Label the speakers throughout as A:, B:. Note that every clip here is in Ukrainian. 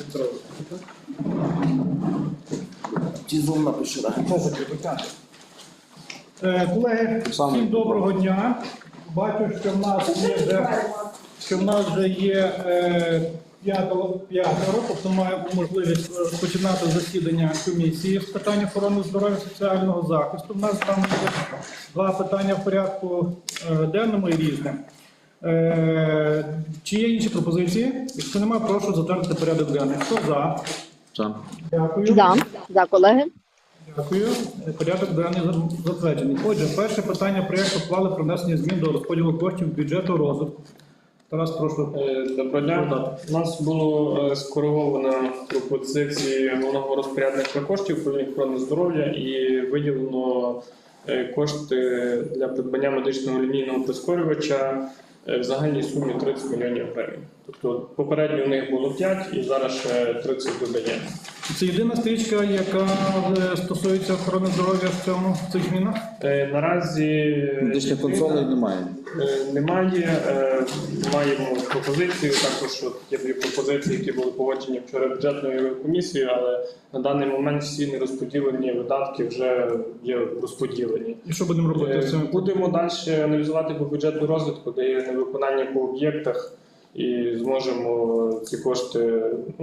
A: Тізом напишу, так.
B: Колеги, всім доброго дня. Бачу, що в нас вже є п'ятеро, тобто маємо можливість розпочинати засідання комісії з питань охорони здоров'я і соціального захисту. У нас там є два питання в порядку денному і різне. Чи є інші пропозиції? Якщо немає, прошу затвердити порядок денний. Хто за?
C: За.
B: Дякую.
D: За, колеги.
B: Дякую. Порядок денний затверджений. Отже, перше питання проєкту ухвали про внесення змін до розподілу коштів бюджету розвитку. Тарас, прошу.
E: Доброго дня. У нас було скориговано пропозиції головного розпорядника коштів управління охорони здоров'я і виділено кошти для придбання медичного лінійного прискорювача в загальній сумі 30 мільйонів гривень. Тобто попередньо у них було 5 і зараз ще 30 додає.
B: Це єдина стрічка, яка стосується охорони здоров'я в цих змінах?
E: Наразі
C: Медичних консолей немає.
E: Немає. Маємо пропозицію. Також є дві пропозиції, які були погоджені вчора бюджетною комісією, але на даний момент всі нерозподілені видатки вже є розподілені.
B: І що будемо робити з цим?
E: Будемо далі аналізувати по бюджетну розвитку, де є невиконання по об'єктах, і зможемо ці кошти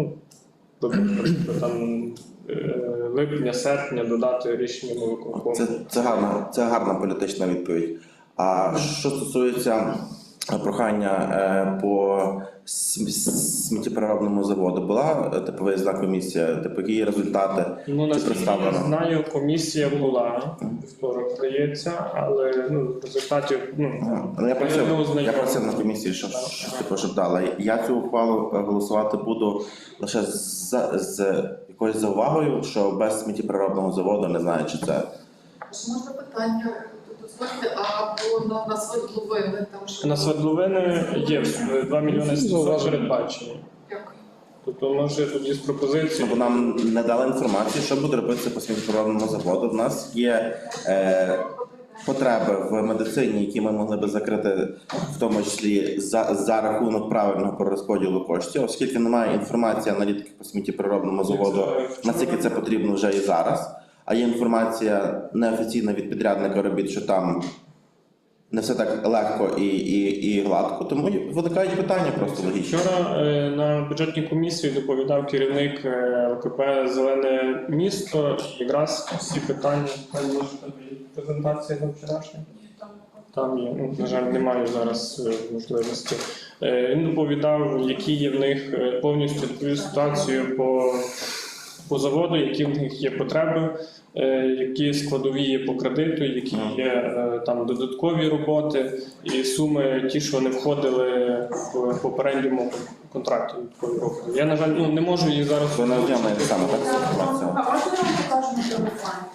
E: там липня-серпня додати рішенням виконкому.
A: Це гарна політична відповідь. А що стосується прохання по сміттєпереробному заводу, була виїзна комісія, які результати
E: Наскільки я знаю, комісія була, вівторок здається, але результатів
A: я просив на комісії, щоб дали. Я цю ухвалу голосувати буду лише з якоюсь заувагою, що без сміттєпереробного заводу не знаю, чи це.
F: Чи можна питання дозвольте, або на свердловини?
E: На свердловини є 2 мільйони 700 передбачені.
F: Дякую.
E: Тобто може тоді з пропозицією.
A: Бо нам не дали інформацію, що буде робитися по сміттєпереробному заводу. В нас є потреби в медицині, які ми могли би закрити, в тому числі за рахунок правильного перерозподілу коштів, оскільки немає інформації аналітики по сміттєпереробному заводу, наскільки це потрібно вже і зараз. А є інформація неофіційна від підрядника робіт, що там не все так легко і гладко, тому виникають питання просто логічно.
E: Вчора на бюджетній комісії доповідав керівник ОКП «Зелене місто». Якраз всі питання, презентація на вчорашній. Там є, на жаль, немає зараз можливості. Він доповідав, які є в них повністю доповів ситуацію по заводу, які в них є потреби, які складові є по кредиту, які є там додаткові роботи і суми ті, що не входили в попередньому контракті. Я, на жаль, не можу її зараз...
A: Ви не отримаєте саме так інформацію.
F: А можна нам покажемо телефон?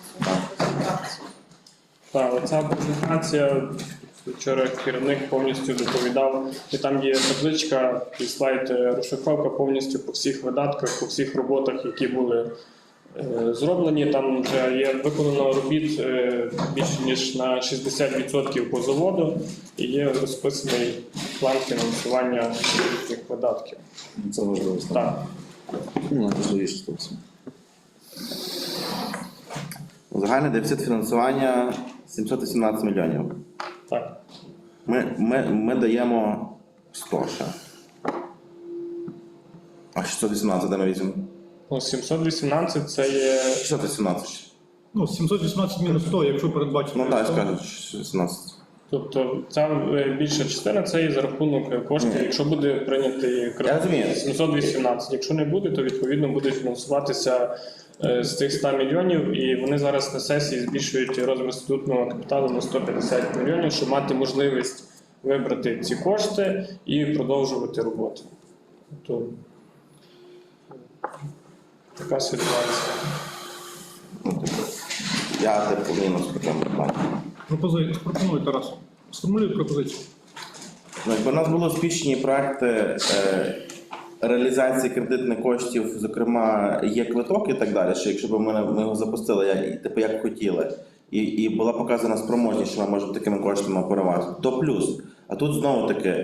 E: Так, оця презентація, вчора керівник повністю доповідав, і там є табличка і слайд розшифровка повністю по всіх видатках, по всіх роботах, які були зроблені. Там вже є виконано робіт більше ніж на 60% по заводу і є розписаний план фінансування цих видатків.
C: Це важливо.
E: Так.
C: Найважливіше з того.
A: Загальний дефіцит фінансування 718 мільйонів.
E: Так.
A: Ми даємо 100 ще. А 618 де ми візьмемо?
E: 718 це є...
A: 618.
B: 718 мінус 100, якщо передбачено.
A: Ну так, скажуть 618.
E: Тобто ця більша частина це є за рахунок коштів, якщо буде прийнятий кредит 718. Якщо не буде, то відповідно буде фінансуватися з тих 100 мільйонів, і вони зараз на сесії збільшують розмір статутного капіталу на 150 мільйонів, щоб мати можливість вибрати ці кошти і продовжувати роботу. Тобто така ситуація.
A: Я мінус по цьому плані.
B: Пропоную, Тарас. Сформулюй пропозицію.
A: Якби у нас були успішні проекти реалізації кредитних коштів, зокрема, є квиток і так далі, що якщо б ми його запустили, як хотіли, і була показана спроможність, що ми можемо такими коштами оперувати, то плюс. А тут знову таки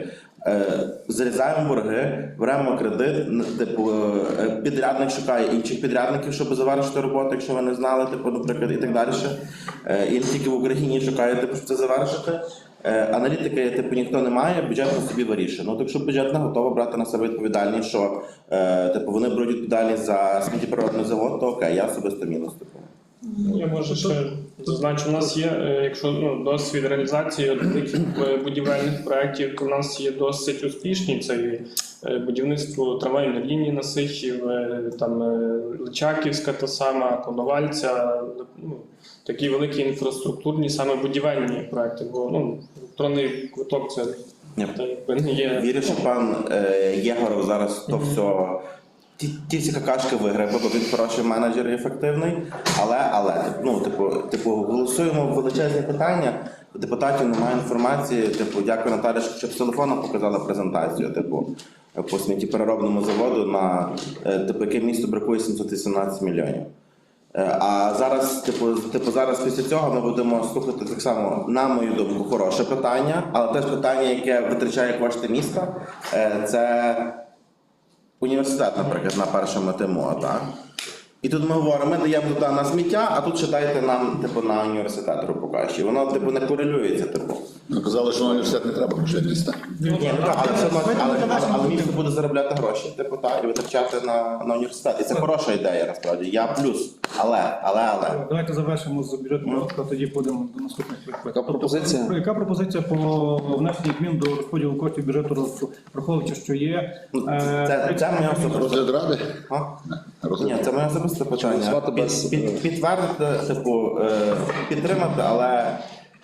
A: Зарізаємо борги, беремо кредит, типу, підрядник шукає інших підрядників, щоб завершити роботу, якщо ви не знали, типу, наприклад, і так далі. І не тільки в Україні шукає, типу, щоб це завершити. Аналітики, типу, ніхто не має, бюджет по собі вирішує. Ну, так що бюджет не готова брати на себе відповідальність, що типу, вони беруть відповідальність за сміттєпереробний завод, то окей, я особисто мінус. Типу.
E: Я може ще зазначу, у нас є, якщо досвід реалізації великих будівельних проєктів, то у нас є досить успішні. Це і будівництво трамвайної лінії на Сихів, там Личаківська та сама, Коновальця, ну, такі великі інфраструктурні, саме будівельні проєкти, бо електронний квиток це якби не є.
A: Вірю, що пан Єгоров зараз то все, ті всі какашки виграє, бо він хороший менеджер і ефективний, але типу, голосуємо величезні питання, у депутатів немає інформації, типу, дякую Наталі, що з телефону показала презентацію, типу, по сміттєпереробному заводу, на типу, яке місто бракує 718 мільйонів. А зараз, зараз після цього ми будемо слухати так само, на мою думку, хороше питання, але теж питання, яке витрачає кошти міста, це університет, наприклад, на першому ТМО, так? І тут ми говоримо, ми даємо туди на сміття, а тут ще дайте нам, типу, на університет, грубо кажучи. Воно, типу, не корелюється, типу.
D: Ну, казали, що на університет не треба грошей міста.
A: Ні, ну так, але все одно, але місто буде заробляти гроші, типу, так, і витрачати на університет. І це хороша ідея, насправді. Я плюс. Але.
B: Давайте завершимо з бюджетного року, а тоді будемо до наступних питань.
C: Яка пропозиція?
B: Яка пропозиція по внесенню змін до розподілу коштів бюджету розвитку, враховуючи, що є...
A: Це моє особисте.
D: Розгляд ради?
A: А?
D: Розгляд
A: Ні, це моє особисте питання.
C: Голосувати без-
A: Підтвердити, типу, підтримати, але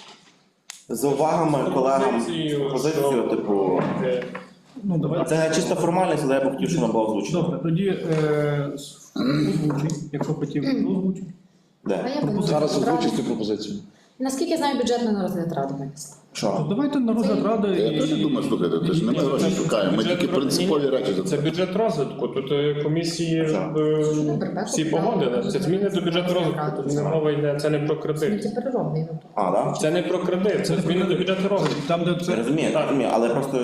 A: з увагами колегам позицію, типу,
B: Ну, давайте.
A: це чисто формальність, але я б хотів, щоб вона була озвучена.
B: Добре, тоді озвучуй, якщо хотів, озвучуй.
A: Де?
G: А я
C: Зараз озвучить цю пропозицію.
G: Наскільки я знаю, бюджетна на розгляд ради винесла.
A: Що?
B: Давайте на розгляд ради
D: Я теж думаю, слухайте, це ж не ми гроші шукаємо, ми тільки принципові речі
E: Це
D: затверджуємо.
E: бюджет розвитку. Тут комісії всі погодили. Це зміни до бюджету розвитку. Тут не мова йде, це не про кредит.
G: Сміттєпереробний.
A: А, так?
E: Це не про кредит, це зміни до бюджету розвитку.
B: Там, де це...
A: Розумію, але просто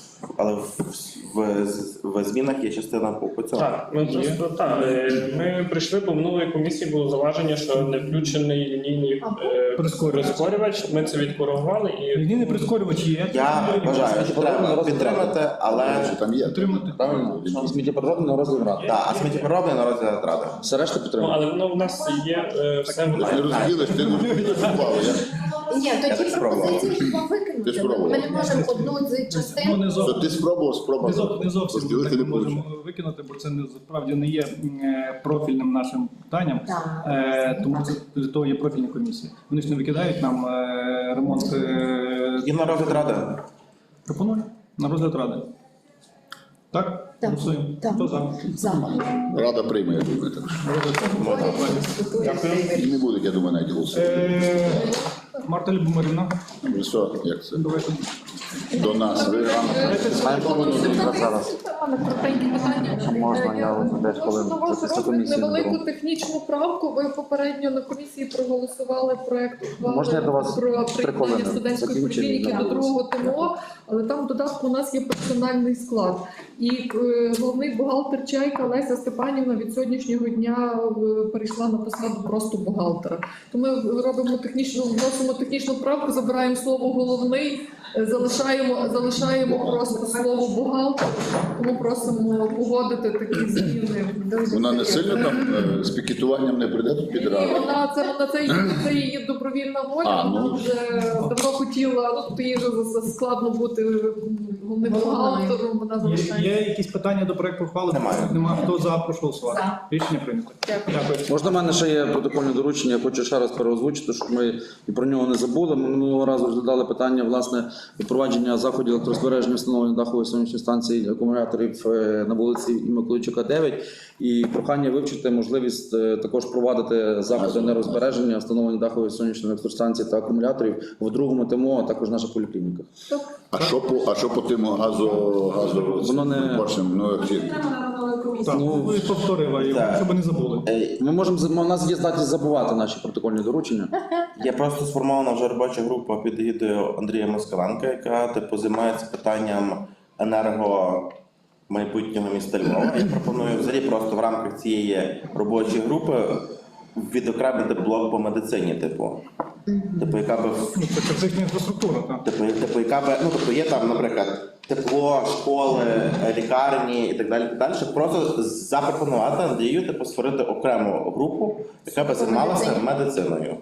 A: в змінах є частина по цьому.
E: Так, ми просто так. Ми прийшли, бо в минулої комісії було зауваження, що не включений лінійний прискорювач. Ми це відкоригували і
B: Лінійний прискорювач є.
A: Я вважаю, що треба підтримати, але...
D: Що там є?
B: Підтримати.
C: Правильно? Що сміттєпереробний на розгляд ради.
A: Так, а сміттєпереробний на розгляд ради.
C: Все решта підтримує.
E: але воно в нас є все
D: Ти не розділиш, ти не розпали.
G: Ні,
A: Я
G: тоді
A: так спробував.
G: пропозицію хіба
D: Ти
G: викинути.
D: спробував.
G: Ми не можемо одну з
B: Ну,
G: частин.
B: не
D: Що
B: зовсім.
D: ти спробував,
B: Не зовсім
D: розділити
B: так
D: не
B: не
D: вийшло.
B: можемо викинути, бо це насправді не є профільним нашим питанням.
G: Так.
B: Тому це для того є профільні комісії. Вони ж не викидають нам ремонт.
A: І на розгляд ради.
B: Пропоную на розгляд ради. Так?
G: Так.
B: Голосуємо.
G: Так.
B: Хто за?
G: За.
D: Рада прийме, я думаю. Так. І не будуть, я думаю, навіть голосувати.
B: Марта Любомирівна.
D: Ви що, як це?
B: Давайте.
D: До нас. Ви рано.
H: Можна, я от десь хвилин
F: на ваш
H: після
F: розгляд
H: комісії
F: невелику
H: наберу.
F: технічну правку. Ви попередньо на комісії проголосували проект ухвали
H: Можна я до вас
F: про
H: 3
F: приєднання
H: хвилини?
F: студентської
H: Закінчення
F: поліклініки до
H: зараз.
F: другого ТМО, але там в додатку у нас є персональний склад. І головний бухгалтер Чайка Леся Степанівна від сьогоднішнього дня перейшла на посаду просто бухгалтера. То ми вносимо технічну правку, забираємо слово головний, залишаємо просто слово бухгалтер. Тому просимо погодити такі зміни.
D: Вона не сильно там з пікетуванням не прийде тут під
F: Ні,
D: раду.
F: це її добровільна воля.
D: А, ну.
F: Вона вже давно хотіла, ну то їй вже складно бути головним бухгалтером. Вона
B: Є
F: залишається.
B: якісь питання до проекту ухвали?
A: Немає.
B: Немає. Хто за, прошу голосувати.
G: За.
B: Рішення прийнято.
F: Дякую.
B: Дякую.
C: Можна, в мене ще є протокольне доручення, я хочу ще раз переозвучити, щоб ми і про нього не забули. Ми минулого разу розглядали питання, власне, впровадження заходів електрозбереження встановлення дахової сонячної станції акумуляторів на вулиці Миколайчука, 9. І прохання вивчити можливість також провадити заходи енергозбереження, встановлення дахової сонячної електростанції та акумуляторів в другому ТМО, а також в наших поліклініках.
D: А що по тим газу
C: Воно не-
D: ну, як
B: Так, ви повторили,
A: Так.
B: щоб не забули.
C: Ми можемо, у нас є здатність забувати наші протокольні доручення.
A: Є просто сформована вже робоча група під егідою Андрія Москаленка, яка типу займається питанням майбутнього міста Львова. Я пропоную взагалі просто в рамках цієї робочої групи відокремити блок по медицині, типу, яка би
B: Ну, це критична інфраструктура, так.
A: Типу, яка би, ну, тобто є там, наприклад, тепло, школи, лікарні і так далі, щоб просто запропонувати Андрію, типу, створити окрему групу, яка би займалася медициною.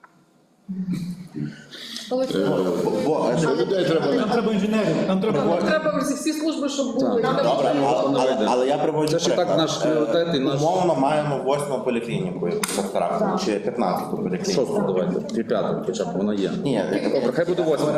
F: Але
D: Що людей треба?
B: Нам треба інженерів, нам треба.
F: треба всі служби, щоб були.
C: Так.
F: Треба
A: Добре,
C: вийде.
A: але я приводжу
C: Це ж і так наш пріоритет і наш-
A: Умовно маємо 8-му поліклініку, яку чи 15-ту поліклініку.
C: Шосту давайте, і п'яту хоча б вона є.
A: Ні,
C: Добре, хай буде 8.